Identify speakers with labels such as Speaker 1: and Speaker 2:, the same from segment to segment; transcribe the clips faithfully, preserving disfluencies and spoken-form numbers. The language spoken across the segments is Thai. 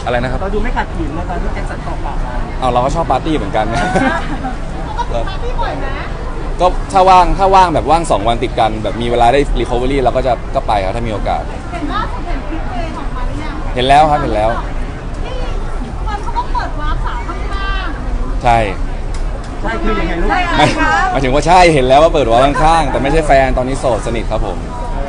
Speaker 1: อะไรนะครับ
Speaker 2: เราดูไม่ขัดขืนตอนที่แจ็คสันตอบปากเรา
Speaker 1: เอาเราก็ชอบปาร์ตี้เหมือนกันนะ
Speaker 3: ปาร์ตี้บ่อยนะ
Speaker 1: ก็ถ้าว่างถ้าว่างแบบว่างสองวันติดกันแบบมีเวลาได้รีคอเวอรี่เราก็จะก็ไปครับถ้ามีโอกาส
Speaker 3: เห็นล่าสุดเห็นคลิปเพลงออกมาหรือยัง
Speaker 1: เห็นแล้วครับเห็นแล้ว
Speaker 3: ที่มันเขาก็เปิดวาร์ปสาวข้าง
Speaker 1: ๆใช่
Speaker 2: ใช่คือยังไงลูก
Speaker 1: ไม่หมายถึงว่าใช่เห็นแล้วว่าเปิดวาร์ปข้างๆแต่ไม่ใช่แฟนตอนนี้โสดสนิทครับผม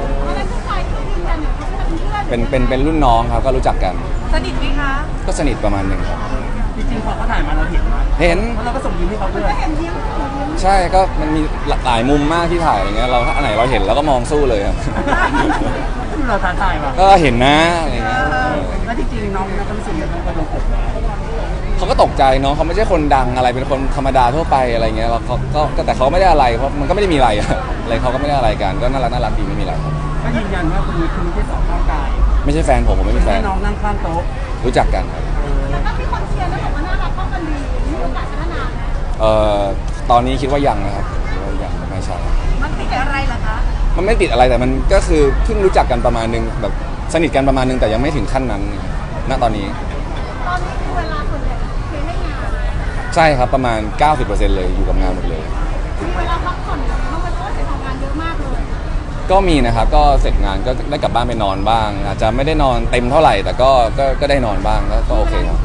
Speaker 1: เป็นเป็นเป็นรุ่นน้องครับก็รู้จักกัน
Speaker 3: สนิทไหมคะ
Speaker 1: ก็สนิทประมาณหนึ่งครับ
Speaker 2: จริงๆพอเขาถ่ายมาเราเห็นไหม
Speaker 1: เห็น
Speaker 2: เพราะเราก็ส่งยิ้มให้เขาด้วย
Speaker 3: เห็นยิ้ม
Speaker 1: ใช่ก็มันมีหลายมุมมากที่ถ่ายอย่างเงี้ยเราถ้าอันไหนเราเห็นเราก็มองสู้เลยครับ
Speaker 2: เราท้าทายป่ะ
Speaker 1: ก็เห็นนะอะไรเงี้ย
Speaker 2: แล้วจริงๆน้องน้องก็รู้สึกยังไงกับเรา
Speaker 1: เขาก็ตกใจเนาะเขาไม่ใช่คนดังอะไรเป็นคนธรรมดาทั่วไปอะไรเงี้ยเราเขาก็แต่เขาไม่ได้อะไรเพราะมันก็ไม่ได้มีอะไรอะไรเขาก็ไม่ได้อะไรกันก็น่ารักน่ารักดีไม่มีอะไรครับ
Speaker 2: ก็ยืนยันว่าคุณคุณไม่ใช่สองร่างกาย
Speaker 1: ไม่ใช่แฟนผมผมไม่เป็นแฟน
Speaker 2: น้องนั่งข้างโต๊ะ
Speaker 1: รู้จักกันครับ
Speaker 3: แล้วก็มีคนเชียร์แล้วบอกว่าน่ารักเข้ากันดีมีโอกาสพัฒนาไหม
Speaker 1: เอ่อตอนนี้คิดว่ายังนะครับยังไม่ใช่
Speaker 3: มันติดอะไรล่ะคะ
Speaker 1: มันไม่ติดอะไรแต่มันก็คือเพิ่งรู้จักกันประมาณนึงแบบสนิทกันประมาณนึงแต่ยังไม่ถึงขั้นนั้นณตอนนี้
Speaker 3: ตอนนี้คือเวลาส่วนใหญ่เพียงให้งาน
Speaker 1: ใช่ครับประมาณ เก้าสิบเปอร์เซ็นต์ เลยอยู่กับงานหมดเลย
Speaker 3: มีเวลาพักผ่อนบ้างไหมเพราะว่าเสียทำงานเยอะมากเลย
Speaker 1: ก็มีนะครับก็เสร็จงานก็ได้กลับบ้านไปนอนบ้างอาจจะไม่ได้นอนเต็มเท่าไหร่แต่ก็ก็ก็ได้นอนบ้างก็โอเคครับ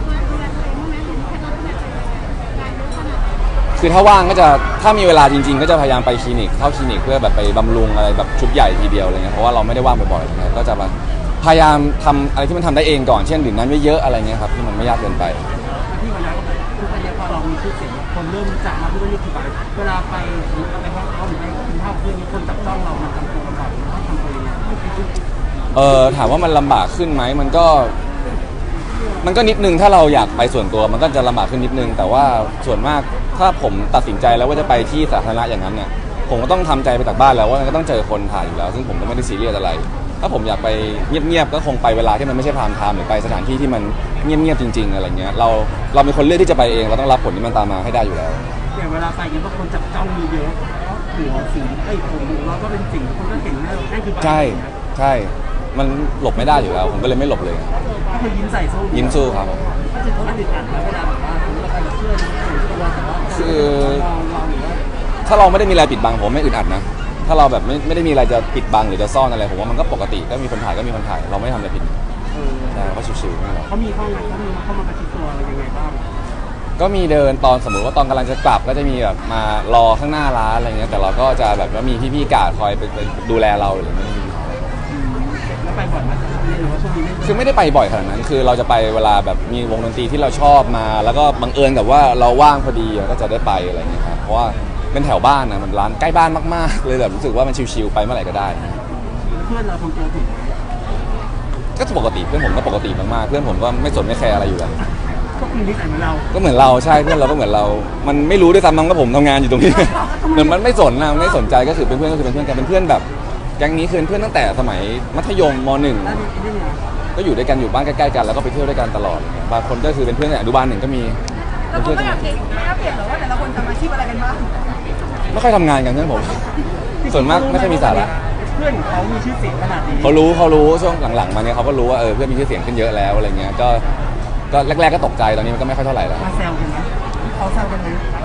Speaker 1: คือถ้าว่างก็จะถ้ามีเวลาจริงๆก็จะพยายามไปคลินิกเข้าคลินิกเพื่อแบบไปบำรุงอะไรแบบชุดใหญ่ทีเดียวอะไรเงี้ยเพราะว่าเราไม่ได้ว่างบ่อยๆอะไรเงี้ยก็จะพยายามทำอะไรที่มันทำได้เองก่อนเช่นดื่มน้ำเยอะๆอะไรเงี้ยครับที่มันไม่ยากเกินไป
Speaker 2: ที่วันนี้ทุกวันนี้พอเรามีชื่อเสียงคนเริ่มรู้จักมาทุกวันนี้คือแบบเวลาไปหรือไปห้องเขาหรือไปกินข้าวเพื่อนมีคนจับต้องเรามันทำตัวลำบากต้องทำตัวยังไง
Speaker 1: เออถามว่ามันลำบากขึ้นไหมมันก็มันก็นิดนึงถ้าเราอยากไปส่วนตัวมันก็จะลำบากขึ้นนิดนึงแต่ว่าส่วนมากถ้าผมตัดสินใจแล้วว่าจะไปที่สาธารณะอย่างนั้นเนี่ยผมก็ต้องทำใจไปจากบ้านแล้วว่ามันก็ต้องเจอคนถ่ายอยู่แล้วซึ่งผมก็ไม่ได้ซีเรียสอะไรถ้าผมอยากไปเงียบๆก็คงไปเวลาที่มันไม่ใช่พรามไทม์หรือไปสถานที่ที่มันเงียบๆจริงๆอะไรเงี้ยเราเราเป็นคนเลือกที่จะไปเองเราต้องรับผลที่มันตามมาให้ได้อยู่แล้ว
Speaker 2: อย่างเวลาไปเนี่ยบางคนจับจ้องมีเยอะหัวสีไอ้ผมเราก็เป็นสิ่งคนก็เห็นนั่นคือ
Speaker 1: ใช่ใช่มันหลบไม่ได้อยู่แล้วผมก็เลยไม่หลบเลย
Speaker 2: ก็คือยิ้มใส่สู้
Speaker 1: ยิ้มสู้ครับ
Speaker 2: ก็จะเขาติดอัดแล้วเวลาแบบว่าเราไปกับเพื่อนตัวแต่ว่า
Speaker 1: คือถ้าเราไม่ได้มีอะไรปิดบังผมไม่อึดอัดนะถ้าเราแบบไม่ไม่ได้มีอะไรจะปิดบังหรือจะซ่อนอะไรผมว่ามันก็ปกติก็มีคนถ่ายก็มีคนถ่ายเราไม่ทำอะไรผิดใช่ก็ชิวๆนี่แหละ
Speaker 2: เขามีเข้าไงเขามีเข้ามาประชิดตัวอะไรยังไงบ้าง
Speaker 1: ก็มีเดินตอนสมมติว่าตอนกำลังจะกลับก็จะมีแบบมารอข้างหน้าร้านอะไรเงี้ยแต่เราก็จะแบบว่ามีพี่ๆกาดคอยไปดูแลเราหรือไม่มี
Speaker 2: แล้วไปบ่อยไหมหรือว่าช่วงนี้ไม่
Speaker 1: คือไม่ได้ไปบ่อยขนาดนั้นคือเราจะไปเวลาแบบมีวงดนตรีที่เราชอบมาแล้วก็บังเอิญกับว่าเราว่างพอดีก็จะได้ไปอะไรเงี้ยครับเพราะว่าเป็นแถวบ้านนะมันร้านใกล้บ้านมากๆเลยแบบรู้สึกว่ามันชิลๆไปเมื่อไหร่ก็ได้
Speaker 2: เพื่อนเราทำตัวถูก
Speaker 1: ก็ปกติเพื่อนผมก็ปกติมากๆเพื่อนผมก็ไม่สนไม่แคร์อะไรอยู่แล้ว
Speaker 2: ก็คือนิสัยเหมือนเรา
Speaker 1: ก็เหมือนเราใช่เพื่อนเราก็เหมือนเรามันไม่รู้ด้วยซ้ำมั้งว่าผมทำงานอยู่ตรงนี้เหมือนมันไม่สนนะไม่สนใจก็คือเป็นเพื่อนก็คือเป็นเพื่อนกันเป็นเพื่อนแบบแก๊งนี้คือเพื่อนตั้งแต่สมัยมัธยมม.หนึ่งก็อยู่ด้วยกันอยู่บ้านใกล้ๆกันแล้วก็ไปเที่ยวด้วยกันตลอดบางคนก็คือเป็นเพื่อนอนุบาลหนึ่งก็มี
Speaker 3: แล้วเขาไม่อยากเห็นไม่อยากเห็นหรอว่าแต่ละคนทำอาชีพอะไรกันบ้าง
Speaker 1: ไม่ค่อยทำงานกันเพื่อนผมส่วนมากไม่ค่อยมีสาระ
Speaker 2: เพื่อนเขามีชื่อเสียงขนาดนี้
Speaker 1: เขารู้เขารู้ช่วงหลังๆมาเนี้ยเขาก็รู้ว่าเออเพื่อนมีชื่อเสียงขึ้นเยอะแล้วอะไรเงี้ยก็ก็แรกๆก็ตกใจตอนนี้มันก็ไม่ค่อยเท่าไหร่แล้ว
Speaker 2: มาแซวกันไหมเขาแซวกันไหม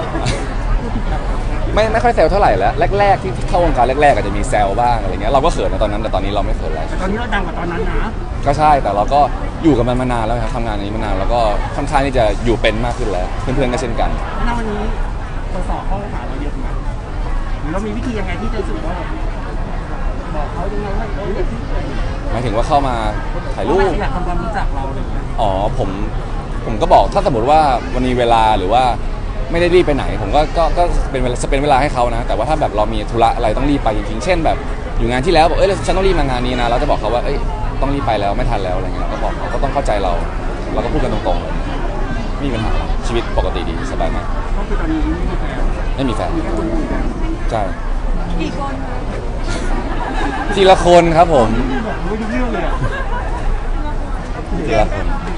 Speaker 1: ไม่ไม่ค่อยแซวเท่าไหร่แล้วแรกๆที่เข้าวงการแรกๆอาจจะมีแซวบ้างอะไรเงี้ยเราก็เขินในตอนนั้นแต่ตอนนี้เราไม่เขินแล้ว
Speaker 2: ตอนนี้เราดังกว่าตอนนั้นนะ
Speaker 1: ก็ใช่แต่เราก็อยู่กับมันมานานแล้วครับทำงานนี้มานานแล้วก็ค่อนข้างที่จะอยู่เป็นมากขึ้นแล้วเพื่อนๆก็เช่นกัน
Speaker 2: ณวันนี้เราสอบข้อหาเราเยอะไหมหรือเรามีวิธียังไงที่จะรู้สึกว่าบอกเขายังไงว่าเอออย่างที่
Speaker 1: หมายถึงว่าเข้ามาถ่ายรูป
Speaker 2: อยากทำความรู้จักเราเลย
Speaker 1: อ๋อผมผมก็บอกถ้าสมมติว่าวันนี้เวลาหรือว่าไม่ได้รีบไปไหนผมก็ก็ก็เป็นเวลาจะเป็นเวลาให้เขานะแต่ว่าถ้าแบบเรามีธุระอะไรต้องรีบไปจริงๆเช่นแบบอยู่งานที่แล้วบอกเอ้ยฉันต้องรีบมางานนี้นะเราจะบอกเขาว่าเอ้ยต้องรีบไปแล้วไม่ทันแล้วอะไรเงี้ยก็บอกเขาก็ต้องเข้าใจเราเราก็พูดกันตรงๆไม่มีปัญหาชีวิตปกติดีสบายมาก
Speaker 2: ก็คือตอนนี้ไม่มีแฟน
Speaker 1: ไม่มีแฟนใช่
Speaker 3: กี่คน
Speaker 1: ทีละคนครับผม
Speaker 2: ไม่รู้เรื่องเลยอ่ะ
Speaker 1: ทีละคน